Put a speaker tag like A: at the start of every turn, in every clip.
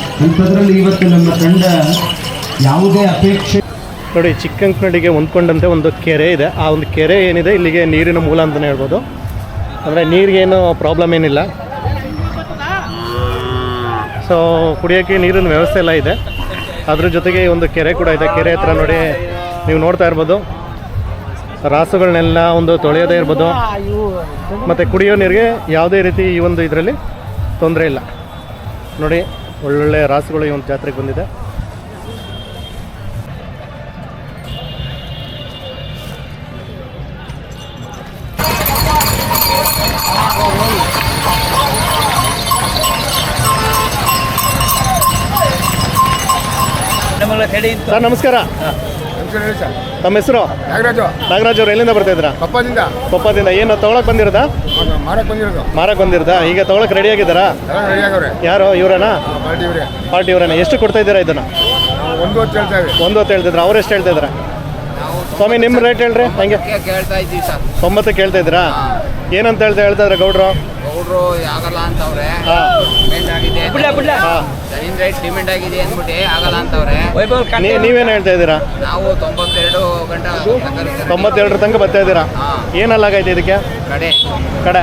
A: ಅಂಥದ್ರಲ್ಲಿ ಇವತ್ತು ನಮ್ಮ ತಂಡ ಯಾವುದೇ ಅಪೇಕ್ಷೆ
B: ನೋಡಿ, ಚಿಕ್ಕಂಕನಡಿಗೆ ಹೊಂದ್ಕೊಂಡಂತೆ ಒಂದು ಕೆರೆ ಇದೆ. ಆ ಒಂದು ಕೆರೆ ಏನಿದೆ ಇಲ್ಲಿಗೆ ನೀರಿನ ಮೂಲ ಅಂತಲೇ ಹೇಳ್ಬೋದು. ಅಂದರೆ ನೀರಿಗೇನು ಪ್ರಾಬ್ಲಮ್ ಏನಿಲ್ಲ. ಸೊ ಕುಡಿಯೋಕ್ಕೆ ನೀರಿನ ವ್ಯವಸ್ಥೆ ಎಲ್ಲ ಇದೆ. ಅದ್ರ ಜೊತೆಗೆ ಒಂದು ಕೆರೆ ಕೂಡ ಇದೆ. ಕೆರೆ ಹತ್ರ ನೋಡಿ ನೀವು ನೋಡ್ತಾ ಇರ್ಬೋದು, ರಾಸುಗಳನ್ನೆಲ್ಲ ಒಂದು ತೊಳೆಯೋದೇ ಇರ್ಬೋದು. ಮತ್ತು ಕುಡಿಯೋ ನೀರಿಗೆ ಯಾವುದೇ ರೀತಿ ಈ ಒಂದು ಇದರಲ್ಲಿ ತೊಂದರೆ ಇಲ್ಲ. ನೋಡಿ, ಒಳ್ಳೊಳ್ಳೆ ರಾಸುಗಳು ಈ ಒಂದು ಜಾತ್ರೆಗೆ ಬಂದಿದೆ. ಸರ್ ನಮಸ್ಕಾರ. ತಮ್ಮ ಹೆಸರು? ನಾಗರಾಜ್ ಅವರು. ಎಲ್ಲಿಂದ ಬರ್ತಾ ಇದ್ದೀರಾ? ಕೊಪ್ಪದಿಂದ. ಏನು ತೊಗೊಳಕ್ ಬಂದಿರೋದಾ? ಮಾರಕ್ ಬಂದಿರೋದಾ? ಈಗ ತೊಗೊಳಕ್ ರೆಡಿ ಆಗಿದ್ದಾರಾ? ಯಾರು? ಇವರೇನಾ? ಪಾರ್ಟಿ ಇವರೇನಾ? ಎಷ್ಟು ಕೊಡ್ತಾ ಇದ್ದೀರಾ ಇದನ್ನ? 1 ಹೊತ್ತು ಹೇಳ್ತಿದ್ರ. ಅವ್ರು ಎಷ್ಟು ಹೇಳ್ತಾ ಇದ್ದೀರಾ? ಸ್ವಾಮಿ ನಿಮ್ಮ ರೇಟ್ ಹೇಳ್ರಿ. ಹಂಗೆ 90 ಕೇಳ್ತಾ ಇದ್ದೀರಾ? ಏನಂತ ಹೇಳ್ತಾ ಇದ್ದಾರೆ ಗೌಡ್ರು?
C: ಆಗಲ್ಲ ಅಂತವ್ರೆ. ಡಿಮ್ಯಾಂಡ್ ಆಗಿದೆ ಅಂದ್ಬಿಟ್ಟು ಆಗಲ್ಲ ಅಂತವ್ರೆ.
B: ನೀವೇನು ಹೇಳ್ತಾ ಇದ್ದೀರಾ?
C: ನಾವು
B: 92 ತನಕ ಬರ್ತಾ ಇದ್ದೀರಾ? ಏನಲ್ಲಾಗೈತೆ ಇದಕ್ಕೆ? ಕಡೆ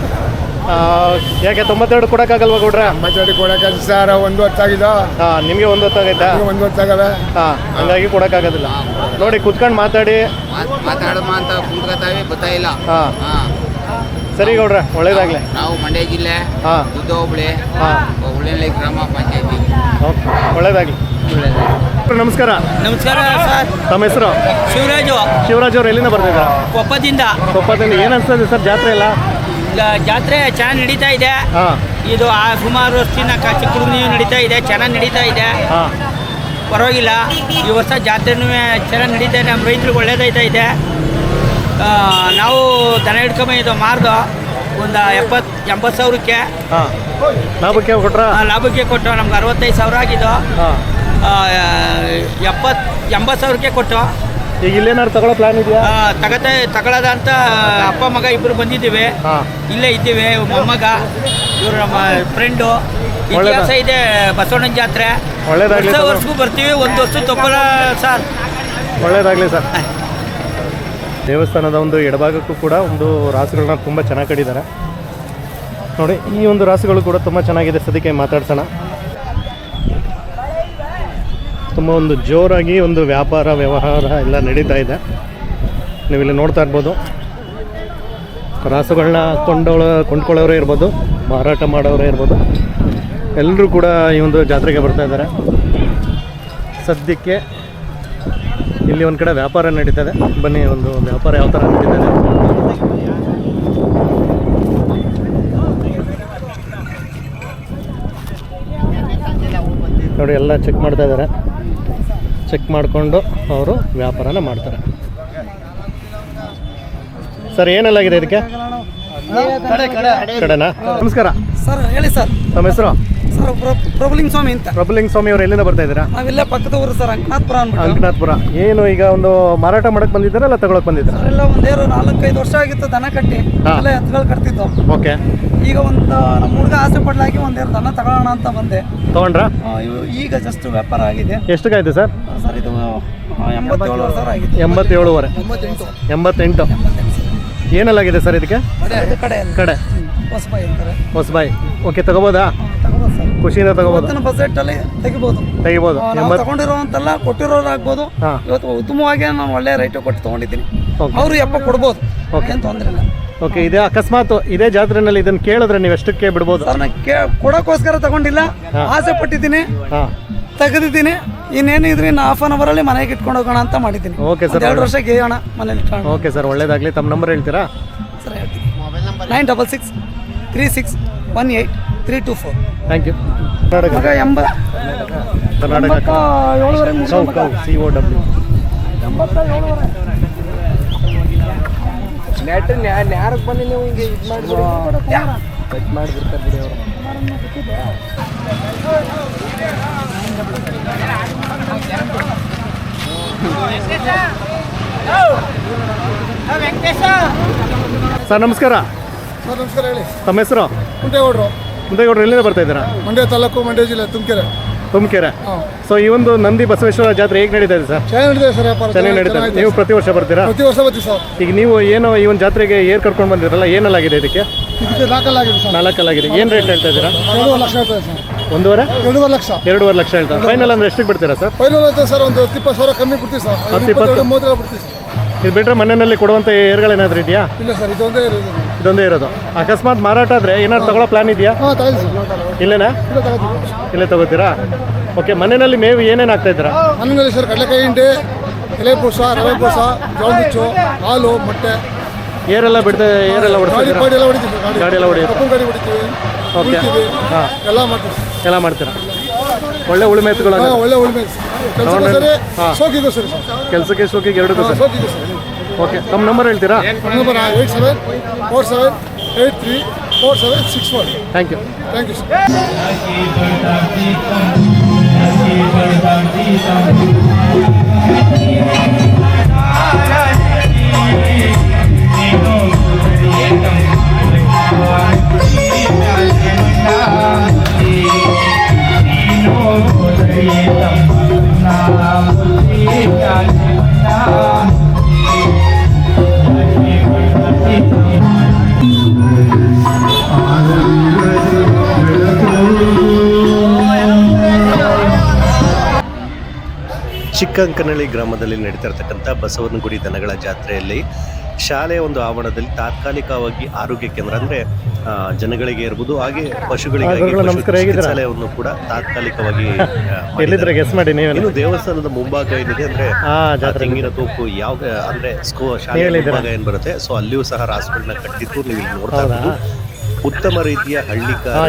B: ಯಾಕೆ 92 ಕೊಡಕ್ಕಾಗಲ್ವಾ ಗೌಡ್ರೆ?
D: 92 ಕೊಡಕ್ಕಾಗ ಸರ್. 1 ಹೊತ್ತಾಗಿದ.
B: ನಿಮಗೆ 1 ಹೊತ್ತಾಗೈತಾ?
D: 1 ಹೊತ್ತಾಗವೆ.
B: ಹಂಗಾಗಿ ಕೊಡಕ್ಕಾಗೋದಿಲ್ಲ. ನೋಡಿ, ಕುತ್ಕೊಂಡು ಮಾತಾಡಿ
C: ಮಾತಾಡಮ್ಮ ಅಂತ ಕುಂತ್ಕೊತಾವೆ, ಗೊತ್ತಾ ಇಲ್ಲ.
B: ಸರಿ ಗೌಡ್ರೆ, ಒಳ್ಳೇದಾಗ್ಲಿ.
C: ನಾವು ಮಂಡ್ಯ ಜಿಲ್ಲೆ, ದುದ್ದ ಹೋಬಳಿ, ಉಳ್ಳೆನಳ್ಳಿ ಗ್ರಾಮ ಪಂಚಾಯತಿ.
B: ಒಳ್ಳೇದಾಗ್ಲಿ. ನಮಸ್ಕಾರ.
E: ನಮಸ್ಕಾರ ಸರ್.
B: ತಮ್ಮ ಹೆಸರು? ಶಿವರಾಜ್ ಅವರು. ಎಲ್ಲಿಂದ ಬರ್ತಿದ್ದೀರಾ?
E: ಕೊಪ್ಪದಿಂದ.
B: ಏನು ಅನ್ಸ್ತದೆ ಸರ್ ಜಾತ್ರೆ ಎಲ್ಲ?
E: ಜಾತ್ರೆ ಚೆನ್ನಾಗಿ ನಡೀತಾ ಇದೆ. ಇದು ಸುಮಾರು ವರ್ಷದಿಂದ ಚಿಕ್ಕ ಹುಡುಗನಿಗೂ ನಡೀತಾ ಇದೆ, ಚೆನ್ನಾಗಿ ನಡೀತಾ ಇದೆ, ಪರವಾಗಿಲ್ಲ. ಈ ವರ್ಷ ಜಾತ್ರೆನೂ ಚೆನ್ನಾಗಿ ನಡೀತಾ ಇದೆ. ನಮ್ಮ ರೈತರಿಗೆ ಒಳ್ಳೇದಾಯ್ತಾ ಇದೆ. ನಾವು ದನ ಹಿಡ್ಕೊಂಬಂದು ಮಾರ್ದು ಒಂದು 70-80 ಸಾವಿರಕ್ಕೆ ಲಾಭಕ್ಕೆ ಕೊಟ್ಟು ನಮ್ಗೆ 65 ಸಾವಿರ ಆಗಿದ್ದು. 70-80 ಸಾವಿರಕ್ಕೆ ಕೊಟ್ಟು.
B: ಈಗ ಇಲ್ಲೇನಾದ್ರು ತಗೊಳ್ಳೋ ಪ್ಲಾನ್ ಇದೆಯಾ?
E: ತಗೊಳ್ಳೋದ ಅಂತ ಅಪ್ಪ ಮಗ ಇಬ್ಬರು ಬಂದಿದ್ದೀವಿ. ಇಲ್ಲೇ ಇದ್ದೀವಿ. ಮೊಮ್ಮಗ ಇವರು ನಮ್ಮ ಫ್ರೆಂಡು. ಇತಿಹಾಸ ಇದೆ ಬಸವಣ್ಣನ ಜಾತ್ರೆ. ವರ್ಷಗೂ ಬರ್ತೀವಿ. 1 ವರ್ಷ ತಪ್ಪಲ್ಲ ಸರ್.
B: ಒಳ್ಳೇದಾಗಲಿ ಸರ್. ದೇವಸ್ಥಾನದ ಒಂದು ಎಡಭಾಗಕ್ಕೂ ಕೂಡ ಒಂದು ರಾಸುಗಳನ್ನ ತುಂಬ ಚೆನ್ನಾಗಿ ಕಟ್ಟಿದ್ದಾರೆ. ನೋಡಿ, ಈ ಒಂದು ರಾಸುಗಳು ಕೂಡ ತುಂಬ ಚೆನ್ನಾಗಿದೆ. ಸದ್ಯಕ್ಕೆ ಮಾತಾಡ್ಸೋಣ. ತುಂಬ ಒಂದು ಜೋರಾಗಿ ಒಂದು ವ್ಯವಹಾರ ಎಲ್ಲ ನಡೀತಾ ಇದೆ. ನೀವಿಲ್ಲಿ ನೋಡ್ತಾ ಇರ್ಬೋದು, ರಾಸುಗಳನ್ನ ಕೊಂಡ್ಕೊಳ್ಳೋರೇ ಇರ್ಬೋದು, ಮಾರಾಟ ಮಾಡೋರೇ ಇರ್ಬೋದು, ಎಲ್ಲರೂ ಕೂಡ ಈ ಒಂದು ಜಾತ್ರೆಗೆ ಬರ್ತಾ ಇದ್ದಾರೆ. ಸದ್ಯಕ್ಕೆ ಇಲ್ಲಿ ಒಂದು ಕಡೆ ವ್ಯಾಪಾರ ನಡೀತದೆ. ಬನ್ನಿ, ಒಂದು ವ್ಯಾಪಾರ ಯಾವ ಥರ ನಡೀತದೆ ನೋಡಿ. ಎಲ್ಲ ಚೆಕ್ ಮಾಡ್ತಾ ಇದ್ದಾರೆ. ಚೆಕ್ ಮಾಡಿಕೊಂಡು ಅವರು ವ್ಯಾಪಾರನ ಮಾಡ್ತಾರೆ. ಸರ್, ಏನೆಲ್ಲಾಗಿದೆ ಇದಕ್ಕೆ? ಕಡೆನಾ? ನಮಸ್ಕಾರ
E: ಸರ್. ಹೇಳಿ ಸರ್.
B: ತಮ್ಮ ಹೆಸರು?
E: ಸರ್ ಪ್ರಭುಲಿಂಗ ಸ್ವಾಮಿ ಅಂತ.
B: ಪ್ರಭುಲಿಂಗ ಸ್ವಾಮಿ ಅವರು. ಎಲ್ಲಿಂದ ಬರ್ತಾ ಇದ್ದೀರಾ?
E: ನಾವೆಲ್ಲ ಪಕ್ಕದ ಊರು ಸರ್,
B: ಅಂಕನಾಥ್ಪುರ. ಏನು ಈಗ ಒಂದು ಮಾರಾಟ ಮಾಡಕ್ಕೆ ಬಂದಿದ್ದೀರಾ ಅಲ್ಲ ತಗೊಳಕ್ ಬಂದಿದ್ದೀರಾ?
E: ಎಲ್ಲ ಒಂದೇರು 4-5 ವರ್ಷ ಆಗಿತ್ತು ದನ ಕಟ್ಟಿ. ಎಲ್ಲ ಎತ್ತುಗಳು ಕಟ್ತಿದ್ದು.
B: ಓಕೆ.
E: ಈಗ ಒಂದು ನಮ್ಮ ಹುಡುಗ ಆಸೆ ಪಡ್ಲಾಗಿ ಒಂದೇರು ದನ ತಗೊಳ್ಳೋಣ ಅಂತ ಬಂದೆ.
B: ತಗೊಂಡ್ರಾ?
E: ಈಗ ಜಸ್ಟ್ ವ್ಯಾಪಾರ ಆಗಿದೆ.
B: ಎಷ್ಟಕ್ಕಾಯ್ತು ಸರ್?
E: ಸರ್ ಇದು 87 ಸಾವಿರ ಆಗಿದೆ.
B: 87.5. 88. ಏನೆಲ್ಲಾಗಿದೆ ಸರ್ ಇದಕ್ಕೆ? ಕಡೆ ಹೊಸಬಾಯಿ. ಓಕೆ, ತಗೋಬೋದಾ? ಖುಷಿಯಿಂದ ತಗೋಬೋದು.
E: ಬಜೆಟಲ್ಲಿ ತೆಗಿಬೋದು. ತಗೊಂಡಿರೋಂತೆಲ್ಲ ಕೊಟ್ಟಿರೋರಾಗ್ಬೋದು. ಇವತ್ತು ಉತ್ತಮವಾಗಿ ನಾನು ಒಳ್ಳೆ ರೇಟು ಕೊಟ್ಟು ತೊಗೊಂಡಿದ್ದೀನಿ. ಅವರು ಎಪ್ಪ ಕೊಡ್ಬೋದು. ಏನು ತೊಂದರೆ ಇಲ್ಲ.
B: ಓಕೆ. ಇದೇ ಅಕಸ್ಮಾತ್ ಇದೇ ಜಾತ್ರೆನಲ್ಲಿ ಇದನ್ನು ಕೇಳಿದ್ರೆ ನೀವು ಎಷ್ಟಕ್ಕೆ ಬಿಡ್ಬೋದು?
E: ಸರ್, ನಾನು ಕೊಡೋಕ್ಕೋಸ್ಕರ ತಗೊಂಡಿಲ್ಲ. ಆಸೆ ಪಟ್ಟಿದ್ದೀನಿ, ತೆಗೆದಿದ್ದೀನಿ. ಇನ್ನೇನು ಇದ್ರೆ ಇನ್ನು ಹಾಫ್ ಆನ್ ಅವರಲ್ಲಿ ಮನೆಗೆ ಇಟ್ಕೊಂಡು ಹೋಗೋಣ ಅಂತ ಮಾಡಿದ್ದೀನಿ.
B: Okay sir.
E: 2 ವರ್ಷ ಗೇಯೋಣ ಮನೇಲಿ.
B: ಓಕೆ ಸರ್, ಒಳ್ಳೇದಾಗಲಿ. ತಮ್ಮ ನಂಬರ್ ಹೇಳ್ತೀರಾ?
E: ಸರ್ ಹೇಳ್ತೀನಿ. 9663618324.
B: Thank you.
E: ಕರ್ನಾಟಕ 87
D: ಯಾರಕ್ಕೆ ಬನ್ನಿ ನೀವು ಹಿಂಗೆ ಇದು ಮಾಡಿಬಿಡ್ತಾರೆ ಬಿಡಿ ಅವರು.
B: ಸರ್ ನಮಸ್ಕಾರ.
D: ಸರ್ ನಮಸ್ಕಾರ. ಹೇಳಿ.
B: ತಮ್ಮ ಹೆಸರು?
D: ಮುಂದೇಗೌಡರು.
B: ಎಲ್ಲಿಂದ ಬರ್ತಾ ಇದ್ದೀರಾ?
D: ಮಂಡ್ಯ ತಾಲೂಕು, ಮಂಡ್ಯ ಜಿಲ್ಲೆ, ತುಮಕೂರು.
B: ತುಮಕೆರೆ. ಸೊ ಈ ಒಂದು ನಂದಿ ಬಸವೇಶ್ವರ ಜಾತ್ರೆ ಹೇಗೆ ನಡೀತಾ ಇದೆ ಸರ್?
D: ಚೆನ್ನಾಗಿ ನಡೀತದೆ ಸರ್ ವ್ಯಾಪಾರ.
B: ಚೆನ್ನಾಗಿ ನಡೀತಾ ಇದೆ. ನೀವು ಪ್ರತಿ ವರ್ಷ ಬರ್ತೀರಾ?
D: ಪ್ರತಿ ವರ್ಷ ಬರ್ತೀವಿ ಸರ್.
B: ಈಗ ನೀವು ಏನು ಈ ಒಂದು ಜಾತ್ರೆಗೆ ಏರ್ ಕರ್ಕೊಂಡು ಬಂದಿರಲ್ಲ, ಏನಲ್ಲಾಗಿದೆ ಇದಕ್ಕೆ?
D: ಇದಕ್ಕೆ ನಾಲ್ಕಲ್ಲಾಗಿದೆ ಸರ್.
B: 4 ಕಲ್ಲಾಗಿದೆ. ಏನು ರೇಟ್ ಹೇಳ್ತಾ ಇದ್ದೀರಾ?
D: 2.5 ಲಕ್ಷ ಹೇಳ್ತದೆ ಸರ್.
B: 1.5
D: ಲಕ್ಷ.
B: 2.5 ಲಕ್ಷ ಹೇಳ್ತಾರೆ. ಫೈನಲ್ ಅಂದ್ರೆ ಎಷ್ಟಕ್ಕೆ ಬಿಡ್ತೀರಾ ಸರ್?
D: ಫೈನಲ್ ಐತೆ ಸರ್, ಒಂದು 20 ಸಾವಿರ ಕಮ್ಮಿ ಬಿಡ್ತೀವಿ ಸರ್.
B: 10-20
D: 30 ಬಿಡ್ತೀವಿ ಸರ್.
B: ಇದು ಬಿಟ್ಟರೆ ಮನೆಯಲ್ಲಿ ಕೊಡುವಂಥ ಏರ್ಗಳೇನಾದರೂ ಇದೆಯಾ?
D: ಇಲ್ಲ ಸರ್, ಇದೊಂದೇ ಇರೋದು.
B: ಇದೊಂದೇ ಇರೋದು. ಅಕಸ್ಮಾತ್ ಮಾರಾಟ ಆದರೆ ಏನಾದ್ರು ತಗೊಳ್ಳೋ ಪ್ಲಾನ್ ಇದೆಯಾ?
D: ಹಾಂ, ತಗೊಳ್ಳಿ ಸರ್.
B: ಇಲ್ಲೇನಾ?
D: ಇಲ್ಲ ತಗೋತೀವಿ.
B: ಇಲ್ಲೇ ತಗೋತೀರಾ? ಓಕೆ. ಮನೆಯಲ್ಲಿ ಮೇವು ಏನೇನು ಆಗ್ತಾ ಇದ್ದೀರಾ?
D: ಮನೆಯಲ್ಲಿ ಸರ್ ಕಡಲೆಕಾಯಿ ಹಿಂಡಿ, ಎಲೆ ಬೂಸ, ರವೆ ಬೂಸ, ಜೋಳ ನುಚ್ಚು, ಹಾಲು, ಮೊಟ್ಟೆ.
B: ಏರೆಲ್ಲ
D: ಗಾಡಿ
B: ಹೊಡಿಸ್ತೀರಾ?
D: ಪಾಡಿ ಎಲ್ಲ ಹೊಡಿತೀವಿ ಸರ್.
B: ಗಾಡಿ ಎಲ್ಲ ಹೊಡಿಯುತ್ತೆ.
D: ಕಪ್ಪು ಗಾಡಿ ಹೊಡಿತೀವಿ.
B: ಓಕೆ.
D: ಉಳ್ತೀವಿ.
B: ಹಾಂ,
D: ಎಲ್ಲ ಮಾಡ್ತೀವಿ ಸರ್.
B: ಎಲ್ಲ ಮಾಡ್ತೀರಾ? ಒಳ್ಳೆ ಉಳುಮೆ ಎತ್ತುಗಳು.
D: ಹಾಂ, ಒಳ್ಳೆ ಉಳ್ಮೆ. ಕೆಲಸಕ್ಕೂ ಸರಿ,
B: ಹಾಂ.
D: ಸೋಕಿಗೂ ಸರಿ ಸರ್.
B: ಕೆಲಸಕ್ಕೆ ಶೋಕಿಗೆ ಎರಡಕ್ಕೂ ಸರ್.
D: ಸೋಕಿಗೂ ಸರಿ.
B: ಓಕೆ. ತಮ್ಮ ನಂಬರ್ ಹೇಳ್ತೀರಾ?
D: Number 8747834764.
B: Thank you.
D: Thank you sir.
F: Chikkankanahalli ಗ್ರಾಮದಲ್ಲಿ ನಡೀತಿರ್ತಕ್ಕಂಥ ಬಸವನಗುಡಿ ದನಗಳ ಜಾತ್ರೆಯಲ್ಲಿ ಶಾಲೆಯ ಒಂದು ಆವರಣದಲ್ಲಿ ತಾತ್ಕಾಲಿಕವಾಗಿ ಆರೋಗ್ಯ ಕೇಂದ್ರ ಅಂದರೆ ಜನಗಳಿಗೆ ಇರ್ಬೋದು, ಹಾಗೆ ಪಶುಗಳಿಗಾಗಿ ಚಿಕಿತ್ಸಾಲಯವನ್ನು ಕೂಡ ತಾತ್ಕಾಲಿಕವಾಗಿ
B: ಗೆಸ್ ಮಾಡಿ ನೀವು.
F: ಇನ್ನು ದೇವಸ್ಥಾನದ ಮುಂಭಾಗ ಏನಿದೆ ಅಂದರೆ ತೆಂಗಿನ ತೋಪು ಯಾವ ಅಂದರೆ ಶಾಲೆಯ ಮುಂಭಾಗ ಏನು ಬರುತ್ತೆ, ಸೊ ಅಲ್ಲಿಯೂ ಸಹ ರಾಸುಗಳನ್ನ ಕಟ್ಟಿದ್ದು ನೀವು ಇಲ್ಲಿ ನೋಡ್ತಾ ಇರ್ಬೋದು. ಉತ್ತಮ ರೀತಿಯ ಹಳ್ಳಿಕಾರ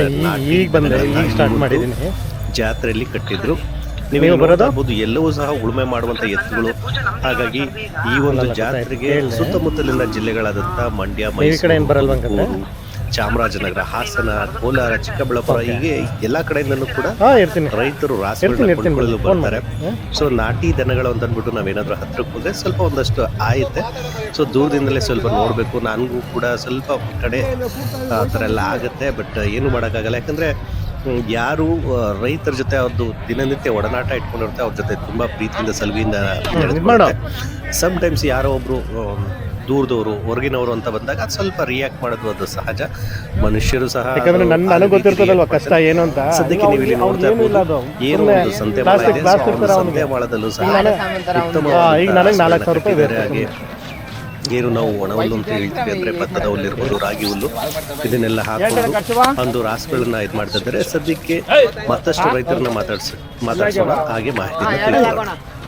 F: ಜಾತ್ರೆಯಲ್ಲಿ ಕಟ್ಟಿದ್ರು. ನೀವು ಬರೋದಾಗ್ಬೋದು. ಎಲ್ಲವೂ ಸಹ ಉಳುಮೆ ಮಾಡುವಂಥ ಎತ್ತುಗಳು. ಹಾಗಾಗಿ ಈ ಒಂದು ಜಾತ್ರೆಗೆ ಸುತ್ತಮುತ್ತಲಿನ ಜಿಲ್ಲೆಗಳಾದಂಥ ಮಂಡ್ಯ, ಮೈಸೂರು, ಚಾಮರಾಜನಗರ, ಹಾಸನ, ಕೋಲಾರ, ಚಿಕ್ಕಬಳ್ಳಾಪುರ ಹೀಗೆ ಎಲ್ಲ ಕಡೆಯಿಂದಲೂ ಕೂಡ ರೈತರು ರಾಸುಗಳನ್ನ ಕೊಂಡುಕೊಳ್ಳಲು ಬರ್ತಾರೆ. ಸೊ ನಾಟಿ ದನಗಳು ಅಂತ ಅಂದ್ಬಿಟ್ಟು ನಾವೇನಾದ್ರೂ ಹತ್ರಕ್ಕೆ ಹೋದ್ರೆ ಸ್ವಲ್ಪ ಒಂದಷ್ಟು ಆಯುತ್ತೆ. ಸೊ ದೂರದಿಂದಲೇ ಸ್ವಲ್ಪ ನೋಡಬೇಕು. ನನಗೂ ಕೂಡ ಸ್ವಲ್ಪ ಕಡೆ ಆ ಥರ ಎಲ್ಲ ಆಗುತ್ತೆ. ಬಟ್ ಏನು ಮಾಡೋಕ್ಕಾಗಲ್ಲ. ಯಾಕಂದರೆ ಯಾರು ರೈತರ ಜೊತೆ ಅವ್ರದ್ದು ದಿನನಿತ್ಯ ಒಡನಾಟ ಇಟ್ಕೊಂಡಿರುತ್ತೆ, ಅವ್ರ ಜೊತೆ ತುಂಬ ಪ್ರೀತಿಯಿಂದ ಸಲುವಿಯಿಂದ ಸಮ್ ಟೈಮ್ಸ್ ಯಾರೋ ಒಬ್ರು ದೂರದವರು ಹೊರಗಿನವರು ಅಂತ ಬಂದಾಗ ಅದು ಸ್ವಲ್ಪ ರಿಯಾಕ್ಟ್ ಮಾಡೋದು ಅದು ಸಹಜ. ಮನುಷ್ಯರು ಸಹ
B: ಕಷ್ಟ ಏನು ಅಂತ
F: ಸದ್ಯಕ್ಕೆ ನೀವು ಇಲ್ಲಿ ನೋಡ್ತಾ ಇರ್ಬೋದು. ಏನು ಒಂದು ಸಂತೆಮಾಳ ಇದೆ, ಸಂತೆಮಾಳದಲ್ಲೂ ಸಹ ಉತ್ತಮ ಬೇರೆ ಹಾಗೆ ಏನು ನಾವು ಒಣ ಹುಲ್ಲು ಅಂತ ಹೇಳ್ತೀವಿ, ಅಂದರೆ ಭತ್ತದ ಹುಲ್ಲು ಇರ್ಬೋದು, ರಾಗಿ ಹುಲ್ಲು, ಇದನ್ನೆಲ್ಲ ಹಾಕೊಂಡು ಒಂದು ರಾಸುಗಳನ್ನ ಇದು ಮಾಡ್ತಾ ಇದ್ದಾರೆ. ಸದ್ಯಕ್ಕೆ ಮತ್ತಷ್ಟು ರೈತರನ್ನ ಮಾತಾಡ್ಸೋಣ, ಹಾಗೆ ಮಾಹಿತಿನ ತಿಳ್ಕೊಳ್ಳೋಣ.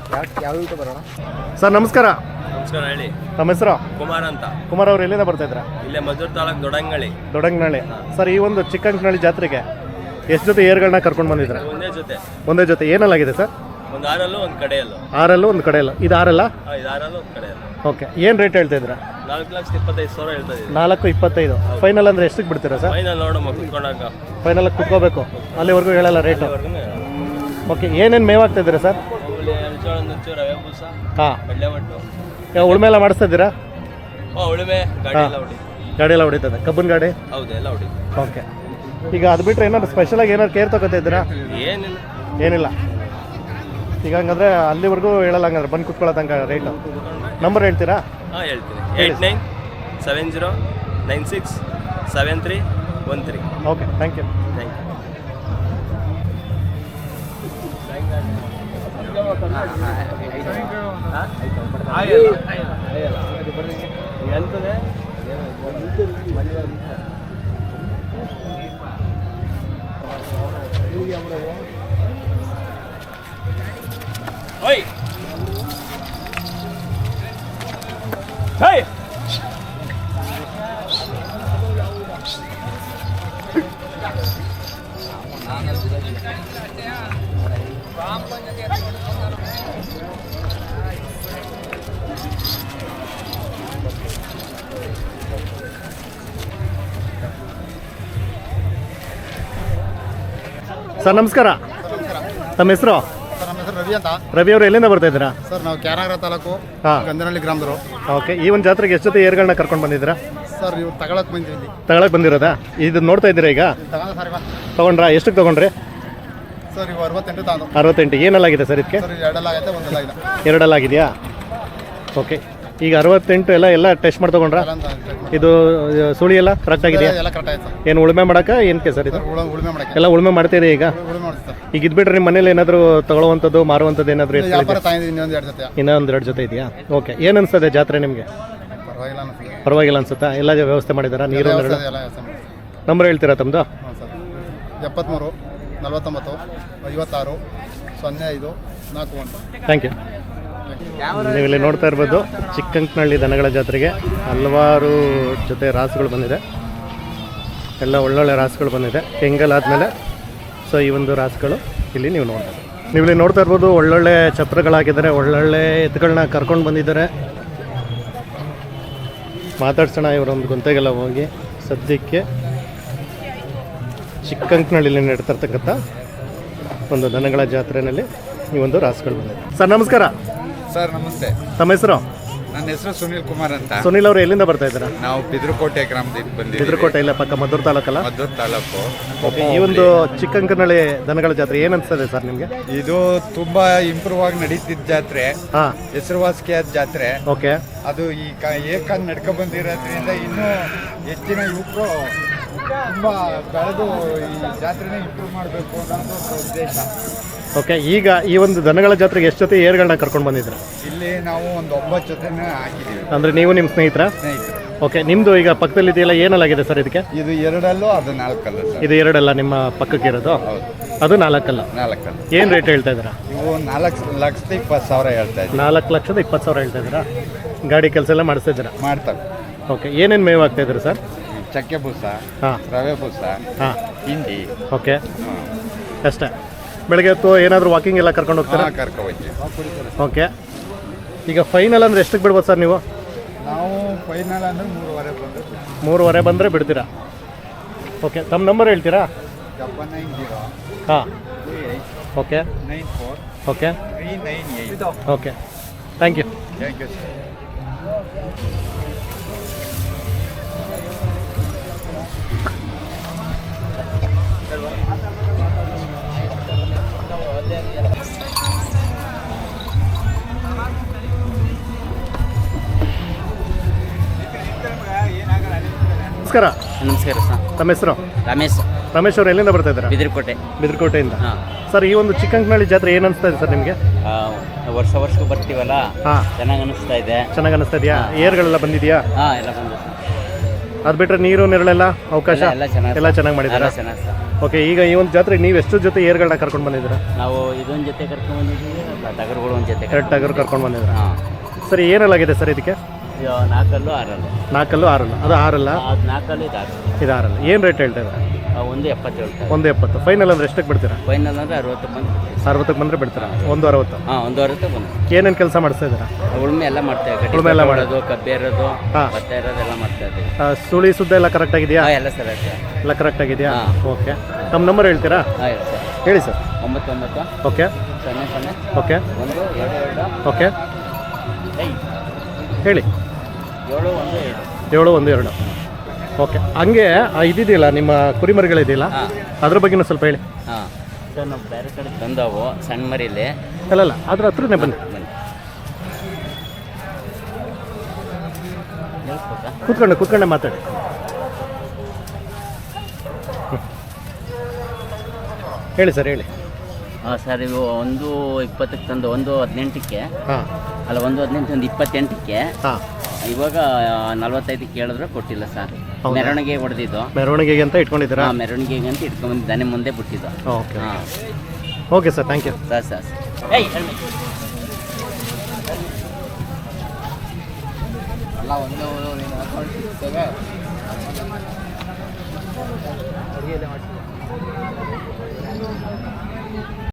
B: ಸರ್ ನಮಸ್ಕಾರ.
G: ನಮಸ್ಕಾರ, ಹೇಳಿ.
B: ನಮ್ಮ ಹೆಸರು?
G: ಕುಮಾರ್ ಅಂತ.
B: ಕುಮಾರ್ ಅವ್ರು ಎಲ್ಲಿಂದ ಬರ್ತಾ ಇದ್ರ?
G: ಇಲ್ಲೇ ಮದ್ದೂರು ತಾಲೂಕು
B: ದೊಡಂಗನಹಳ್ಳಿ. ಸರ್ ಈ ಒಂದು ಚಿಕ್ಕಂಕನಹಳ್ಳಿ ಜಾತ್ರೆಗೆ ಎಷ್ಟು ಜೊತೆ ಏರ್ಗಳನ್ನ ಕರ್ಕೊಂಡು ಬಂದಿದ್ರ? ಒಂದೇ ಜೊತೆ. ಏನಲ್ಲಾಗಿದೆ ಸರ್?
G: ಒಂದು 6 ಒಂದು ಕಡೆಯಲ್ಲೂ.
B: 6 ಒಂದು ಕಡೆಯಲ್ಲ. ಇದು 6
G: ಇದು 6 ಒಂದು ಕಡೆಯಲ್ಲ.
B: ಓಕೆ. ಏನು ರೇಟ್ ಹೇಳ್ತಾ ಇದ್ರ?
G: 4,25,000 ಹೇಳ್ತಾ ಇದ್ದೀವಿ.
B: 4,25,000. ಫೈನಲ್ ಅಂದ್ರೆ ಎಷ್ಟಕ್ಕೆ ಬಿಡ್ತೀರಾ ಸರ್?
G: ಫೈನಲ್ ನೋಡಮ್ಮ, ಕುತ್ಕೊಂಡಾಗ
B: ಫೈನಲ್ ಕುತ್ಕೋಬೇಕು, ಅಲ್ಲಿವರೆಗೂ ಹೇಳಲ್ಲ ರೇಟು. ಓಕೆ. ಏನೇನು ಮೇವಾಗ್ತಾ ಇದ್ದೀರಾ ಸರ್?
G: ಜೋಳ ನುಚ್ಚು, ರವೆ ಬೂಸ,
B: ಹಾಂ,
G: ಬೆಳ್ಳೆ ಒಟ್ಟು.
B: ಉಳುಮೆ ಎಲ್ಲ ಮಾಡಿಸ್ತಾ ಇದ್ದೀರಾ?
G: ಉಳುಮೆ ಗಾಡಿ ಎಲ್ಲ ಹೊಡಿ.
B: ಗಾಡಿ ಎಲ್ಲ ಹೊಡಿತದೆ? ಕಬ್ಬನ್ ಗಾಡಿ?
G: ಹೌದು, ಎಲ್ಲ ಹೊಡಿ.
B: ಓಕೆ. ಈಗ ಅದು ಬಿಟ್ಟರೆ ಏನಾದ್ರು ಸ್ಪೆಷಲಾಗಿ ಏನಾದ್ರು ಕೇರ್ ತಗೋತಾ ಇದ್ದೀರಾ? ಏನಿಲ್ಲ. ಈಗ ಹಂಗಂದ್ರೆ ಅಲ್ಲಿವರೆಗೂ ಹೇಳಲ್ಲ, ಹಂಗಂದ್ರೆ ಬಂದು ಕುತ್ಕೊಳ್ಳೋ ತನಕ ರೇಟು. ನಂಬರ್ ಹೇಳ್ತೀರಾ?
G: ಹಾಂ, ಹೇಳ್ತೀನಿ. 8970967313.
B: Okay, thank you.
G: Thank you. ಎಂತದೆ ಓಯ್ ಹೇ
B: ಸರ್ ನಮಸ್ಕಾರ. ತಮ್ಮ ಹೆಸರು?
D: ಸರ್ ನಮ್ಮ ಹೆಸರು ರವಿ ಅಂತ.
B: ರವಿ ಅವರು ಎಲ್ಲಿಂದ ಬರ್ತಾ ಇದ್ದೀರಾ?
D: ಸರ್ ನಾವು ಕ್ಯಾನಗರ ತಾಲೂಕು ಗಂಧನಹಳ್ಳಿ ಗ್ರಾಮದವರು.
B: ಓಕೆ. ಈ ಒಂದು ಜಾತ್ರೆಗೆ ಎಷ್ಟು ಜೊತೆ ಏರ್ಗಳನ್ನ ಕರ್ಕೊಂಡು ಬಂದಿದ್ದೀರಾ?
D: ಸರ್ ಇವು ತಗೊಳಕ್ ಬಂದಿದ್ದೀವಿ.
B: ತಗೊಳಕ್ ಬಂದಿರೋದಾ? ಇದು ನೋಡ್ತಾ ಇದ್ದೀರಾ ಈಗ? ತಗೊಂಡ್ರಾ? ಎಷ್ಟಕ್ಕೆ ತಗೊಂಡ್ರಿ?
D: ಸರ್ ಇವು 68 ತಾಂದು
B: 68 ಏನಲ್ಲಾಗಿದೆ ಸರ್ ಇದಕ್ಕೆ?
D: ಸರ್ ಎರಡೆಲ್ಲ ಆಗೈತೆ ಒಂದೆಲ್ಲ ಇದೆ
B: ಎರಡಲ್ಲಾಗಿದೆಯಾ? ಓಕೆ, ಈಗ 68 ಎಲ್ಲ ಟೆಸ್ಟ್ ಮಾಡಿ ತೊಗೊಂಡ್ರಾ?
D: ಎಲ್ಲ ಅಂತ
B: ಇದು ಸುಳಿ ಎಲ್ಲ ಕರೆಕ್ಟ್ ಆಗಿದೆಯಾ?
D: ಎಲ್ಲ ಕರೆಕ್ಟ್ ಆಯ್ತು ಸರ್.
B: ಏನು ಉಳುಮೆ ಮಾಡೋಕೆ ಏನಕ್ಕೆ ಸರ್ ಇದು?
D: ಉಳುಮೆ ಮಾಡಕ್ಕೆ
B: ಎಲ್ಲ ಉಳುಮೆ ಮಾಡ್ತೀರಿ ಈಗ?
D: ಉಳುಮೆ ಮಾಡ್ತೀವಿ ಸರ್.
B: ಈಗ ಇದ್ಬಿಟ್ರೆ ನಿಮ್ಮ ಮನೇಲಿ ಏನಾದರೂ ತಗೊಳ್ಳುವಂಥದ್ದು ಮಾರುವಂಥದ್ದು ಏನಾದರೂ
D: ವ್ಯಾಪಾರ ತಾಯಿದ್ದು ಇನ್ನೊಂದು 2 ಜೊತೆ
B: ಇನ್ನೊಂದು 2 ಜೊತೆ ಇದೆಯಾ? ಓಕೆ, ಏನು ಅನಿಸ್ತದೆ ಜಾತ್ರೆ ನಿಮಗೆ?
D: ಪರವಾಗಿಲ್ಲ ಅನಿಸ್ತದೆ.
B: ಪರವಾಗಿಲ್ಲ ಅನ್ಸುತ್ತಾ? ಎಲ್ಲ ವ್ಯವಸ್ಥೆ ಮಾಡಿದಾರಾ? ನೀರು
D: ಎಲ್ಲ ವ್ಯವಸ್ಥೆ ಮಾಡಿ.
B: ನಂಬರ್ ಹೇಳ್ತೀರಾ ತಮ್ಮದು?
D: ಹ್ಞೂ ಸರ್ 73 49 56 05 41.
B: Thank you. ನೀವು ಇಲ್ಲಿ ನೋಡ್ತಾ ಇರ್ಬೋದು ಚಿಕ್ಕಂಕನಹಳ್ಳಿ ದನಗಳ ಜಾತ್ರೆಗೆ ಹಲವಾರು ಜೊತೆ ರಾಸುಗಳು ಬಂದಿದೆ. ಎಲ್ಲ ಒಳ್ಳೊಳ್ಳೆ ರಾಸುಗಳು ಬಂದಿದೆ ಕೆಂಗಲ್ ಆದಮೇಲೆ. ಸೊ ಈ ಒಂದು ರಾಸುಗಳು ಇಲ್ಲಿ ನೀವು ನೋಡ್ಬೋದು. ನೀವು ಇಲ್ಲಿ ನೋಡ್ತಾ ಇರ್ಬೋದು ಒಳ್ಳೊಳ್ಳೆ ಛತ್ರಗಳಾಗಿದ್ದಾರೆ, ಒಳ್ಳೊಳ್ಳೆ ಎತ್ತುಗಳನ್ನ ಕರ್ಕೊಂಡು ಬಂದಿದ್ದಾರೆ. ಮಾತಾಡ್ಸೋಣ ಇವರೊಂದು ಗೊಂತೆಗೆಲ್ಲ ಹೋಗಿ. ಸದ್ಯಕ್ಕೆ ಚಿಕ್ಕಂಕನಹಳ್ಳಿಲಿ ನಡೀತಿರ್ತಕ್ಕಂಥ ಒಂದು ದನಗಳ ಜಾತ್ರೆಯಲ್ಲಿ ಈ ಒಂದು ರಾಸುಗಳು ಬಂದಿದೆ. ಸರ್ ನಮಸ್ಕಾರ.
H: ಸರ್ ನಮಸ್ತೆ.
B: ತಮ್ಮ ಹೆಸರು?
H: ನನ್ನ ಹೆಸರು ಸುನಿಲ್ ಕುಮಾರ್ ಅಂತ.
B: ಸುನಿಲ್ ಅವರು ಎಲ್ಲಿಂದ ಬರ್ತಾ ಇದ್ದೀರಾ?
H: ನಾವು ಬಿದ್ರಕೋಟೆ ಗ್ರಾಮದಿಂದ ಬಂದಿದ್ದೀವಿ.
B: ಬಿದ್ರಕೋಟೆ ಇಲ್ಲ ಪಕ್ಕ ಮದ್ದೂರು ತಾಲೂಕಲ್ಲ?
H: ಮದ್ದೂರು ತಾಲೂಕು.
B: ಓಕೆ, ಈ ಒಂದು ಚಿಕ್ಕಂಕನಹಳ್ಳಿ ದನಗಳ ಜಾತ್ರೆ ಏನು ಅನಿಸ್ತದೆ ಸರ್ ನಿಮಗೆ?
H: ಇದು ತುಂಬಾ ಇಂಪ್ರೂವ್ ಆಗಿ ನಡೀತಿದ್ದ ಜಾತ್ರೆ,
B: ಹಾಂ,
H: ಹೆಸರುವಾಸಿಯಾದ ಜಾತ್ರೆ.
B: ಓಕೆ,
H: ಅದು ಈ ಏಕಾಂಗ್ ನಡ್ಕೊ ಬಂದಿರೋದ್ರಿಂದ ಇನ್ನೂ ಹೆಚ್ಚಿನ ಯುವಕರು ತುಂಬಾ ಬೆಳೆದು ಈ ಜಾತ್ರೆನ ಇಂಪ್ರೂವ್ ಮಾಡಬೇಕು ಅನ್ನೋದು ಒಂದು ಉದ್ದೇಶ.
B: ಓಕೆ, ಈಗ ಈ ಒಂದು ದನಗಳ ಜಾತ್ರೆಗೆ ಎಷ್ಟು ಜೊತೆ ಏರ್ಗಳನ್ನ ಕರ್ಕೊಂಡು ಬಂದಿದ್ರು?
H: ಇಲ್ಲಿ ನಾವು ಒಂದು 9 ಜೊತೆನ ಹಾಕಿದ್ದೀವಿ.
B: ಅಂದರೆ ನೀವು ನಿಮ್ಮ ಸ್ನೇಹಿತರ?
H: ಸ್ನೇಹಿತರು.
B: ಓಕೆ, ನಿಮ್ಮದು ಈಗ ಪಕ್ಕದಲ್ಲಿ ಇದೆಯಲ್ಲ ಏನಲ್ಲಾಗಿದೆ ಸರ್ ಇದಕ್ಕೆ?
H: ಇದು 2 ಅದು 4 ಸರ್.
B: ಇದು 2 ನಿಮ್ಮ ಪಕ್ಕಕ್ಕೆ ಇರೋದು?
H: ಹೌದು,
B: ಅದು 4
H: 4.
B: ಏನು ರೇಟ್ ಹೇಳ್ತಾ ಇದ್ದೀರಾ?
H: ಇವು 4,20,000 ಹೇಳ್ತಾ ಇದ್ದೀವಿ.
B: 4,20,000 ಹೇಳ್ತಾ ಇದ್ದೀರಾ? ಗಾಡಿ ಕೆಲಸ ಎಲ್ಲ ಮಾಡಿಸ್ತಾ ಇದ್ದೀರಾ?
H: ಮಾಡ್ತವೆ.
B: ಓಕೆ, ಏನೇನು ಮೇವು ಆಗ್ತಾ ಇದ್ದೀರಾ ಸರ್?
H: ಚಕ್ಕೆ ಬೂಸ,
B: ಹಾಂ,
H: ರವೆ ಬೂಸ,
B: ಹಾಂ,
H: ಹಿಂಡಿ.
B: ಓಕೆ, ಅಷ್ಟೇ. ಬೆಳಗ್ಗೆ ಹೊತ್ತು ಏನಾದರೂ ವಾಕಿಂಗ್ ಎಲ್ಲ ಕರ್ಕೊಂಡು ಹೋಗ್ತೀರಾ?
H: ಕರ್ಕೊಬತ್ತೀವಿ.
B: ಓಕೆ, ಈಗ ಫೈನಲ್ ಅಂದರೆ ಎಷ್ಟಕ್ಕೆ ಬಿಡ್ಬೋದು ಸರ್ ನೀವು?
H: ನಾವು ಫೈನಲ್ ಅಂದರೆ 3:30 ಬಂದು
B: 3:30 ಬಂದರೆ ಬಿಡ್ತೀರಾ? ಓಕೆ, ತಮ್ಮ ನಂಬರ್ ಹೇಳ್ತೀರಾ?
H: 790
B: ಹಾಂ, okay,
H: 94
B: okay,
H: 398.
B: Okay, thank you.
H: Thank you sir.
B: ನಮಸ್ಕಾರ.
C: ನಮಸ್ಕಾರ ಸರ್.
B: ತಮ್ಮ ಹೆಸರು?
C: ರಮೇಶ್.
B: ರಮೇಶ್ ಅವರು ಎಲ್ಲಿಂದ ಬರ್ತಾ ಇದ್ದಾರೆ?
C: ಬಿದಿರಕೋಟೆ.
B: ಬಿದ್ರಕೋಟೆಯಿಂದ.
C: ಹಾಂ
B: ಸರ್, ಈ ಒಂದು ಚಿಕ್ಕಂಕನಹಳ್ಳಿ ಜಾತ್ರೆ ಏನು ಅನಿಸ್ತಾ ಇದೆ ಸರ್ ನಿಮಗೆ?
C: ವರ್ಷಕ್ಕೂ ಬರ್ತೀವಲ್ಲ,
B: ಹಾಂ,
C: ಚೆನ್ನಾಗಿ ಅನಿಸ್ತಾ ಇದೆ.
B: ಚೆನ್ನಾಗಿ ಅನಿಸ್ತಾ ಇದೆಯಾ? ಏರ್ಗಳೆಲ್ಲ ಬಂದಿದೆಯಾ?
C: ಹಾಂ, ಎಲ್ಲ ಬಂದು ಸರ್.
B: ಅದು ಬಿಟ್ಟರೆ ನೀರು ನೆರಳೆಲ್ಲ ಅವಕಾಶ
C: ಎಲ್ಲ ಚೆನ್ನಾಗಿ
B: ಎಲ್ಲ ಚೆನ್ನಾಗಿ ಮಾಡಿದ್ದೀರಾ?
C: ಚೆನ್ನಾಗಿ ಸರ್.
B: ಓಕೆ, ಈಗ ಈ ಒಂದು ಜಾತ್ರೆ ನೀವು ಎಷ್ಟು ಜೊತೆ ಏರ್ಗಳನ್ನ ಕರ್ಕೊಂಡು ಬಂದಿದ್ದೀರಾ?
C: ನಾವು ಇದೊಂದು ಜೊತೆ ಕರ್ಕೊಂಡು ಬಂದಿದ್ದೀವಿ, ಟಗರುಗಳು ಒಂದು ಜೊತೆ
B: 2 ಟಗರು ಕರ್ಕೊಂಡು ಬಂದಿದ್ದೀರಾ?
C: ಹಾಂ.
B: ಸರಿ, ಏನಲ್ಲಾಗಿದೆ ಸರ್ ಇದಕ್ಕೆ?
C: 4 6
B: 4 6 ಅದು 6
C: ಅದು 4 ಇದು 6.
B: ಇದು 6 ಏನು ರೇಟ್ ಹೇಳ್ತಾ ಇದ್ದಾರೆ?
C: 170 ಹೇಳ್ತಾರೆ.
B: 170. ಫೈನಲ್ ಅಂದರೆ ಎಷ್ಟಕ್ಕೆ ಬಿಡ್ತೀರಾ?
C: ಫೈನಲ್ ಅಂದರೆ 60 ಬಂದು
B: 60ಕ್ಕೆ ಬಂದರೆ ಬಿಡ್ತೀರಾ? 160.
C: ಹಾಂ, 160 ಬಂದು.
B: ಏನೇನು ಕೆಲಸ ಮಾಡಿಸ್ತಾ ಇದ್ದೀರಾ?
C: ಉಳುಮೆ ಎಲ್ಲ ಮಾಡ್ತೇವೆ.
B: ಉಳುಮೆ ಎಲ್ಲ
C: ಮಾಡೋದು, ಕಬ್ಬೇರೋದು,
B: ಹಾಂ,
C: ಭತ್ತ ಇರೋದೆಲ್ಲ ಮಾಡ್ತಾ ಇದ್ದೀವಿ.
B: ಸುಳಿ ಸುದ್ದ ಎಲ್ಲ ಕರೆಕ್ಟ್ ಆಗಿದೆಯಾ?
C: ಹಾಂ, ಎಲ್ಲ ಸರ್ ಆಯ್ತು.
B: ಎಲ್ಲ ಕರೆಕ್ಟ್ ಆಗಿದೆಯಾ?
C: ಹಾಂ.
B: ಓಕೆ, ತಮ್ಮ ನಂಬರ್ ಹೇಳ್ತೀರಾ?
C: ಹಾಂ, ಹೇಳಿ ಸರ್.
B: ಹೇಳಿ ಸರ್.
C: 99
B: ಓಕೆ,
C: 00
B: ಓಕೆ,
C: 122
B: ಓಕೆ, ಹೇಳಿ.
C: 712.
B: 712. ಓಕೆ, ಹಂಗೆ ಇದಿದೆಯಲ್ಲ ನಿಮ್ಮ ಕುರಿಮರಿಗಳಿದೆಯಲ್ಲ,
C: ಹಾಂ,
B: ಅದ್ರ ಬಗ್ಗೆನೂ ಸ್ವಲ್ಪ ಹೇಳಿ.
C: ಹಾಂ ಸರ್. ನಾವು ಬೇರೆ ಕಡೆ ತಂದವು ಸಣ್ಣ ಮರಿಲಿ.
B: ಅಲ್ಲಲ್ಲ, ಅದ್ರ ಹತ್ರನೇ ಬನ್ನಿ. ಕೂತ್ಕೊಂಡೆ ಮಾತಾಡಿ. ಹೇಳಿ ಸರ್, ಹೇಳಿ.
C: ಹಾಂ ಸರ್, ಇವು 1:20ಕ್ಕೆ ತಂದು 1:18ಕ್ಕೆ,
B: ಹಾಂ,
C: ಅಲ್ಲ 1:18 ಒಂದು 28ಕ್ಕೆ.
B: ಹಾಂ,
C: ಇವಾಗ 45ಕ್ಕೆ ಕೇಳಿದ್ರೆ ಕೊಟ್ಟಿಲ್ಲ ಸರ್.
B: ಹೌದಾ?
C: ಮೆರವಣಿಗೆ ಹೊಡೆದಿದ್ದು.
B: ಮೆರವಣಿಗೆಗೆ ಅಂತ ಇಟ್ಕೊಂಡಿದ್ದೀರಾ?
C: ಹಾಂ, ಮೆರವಣಿಗೆಗೆ ಅಂತ ಇಟ್ಕೊಂಡ್ಬಂದು ದನೆ ಮುಂದೆ ಬಿಟ್ಟಿದ್ದು.
B: ಓಕೆ,
C: ಹಾಂ
B: okay sir, thank you.
C: Sir. ಅಲ್ಲ ಒಂದು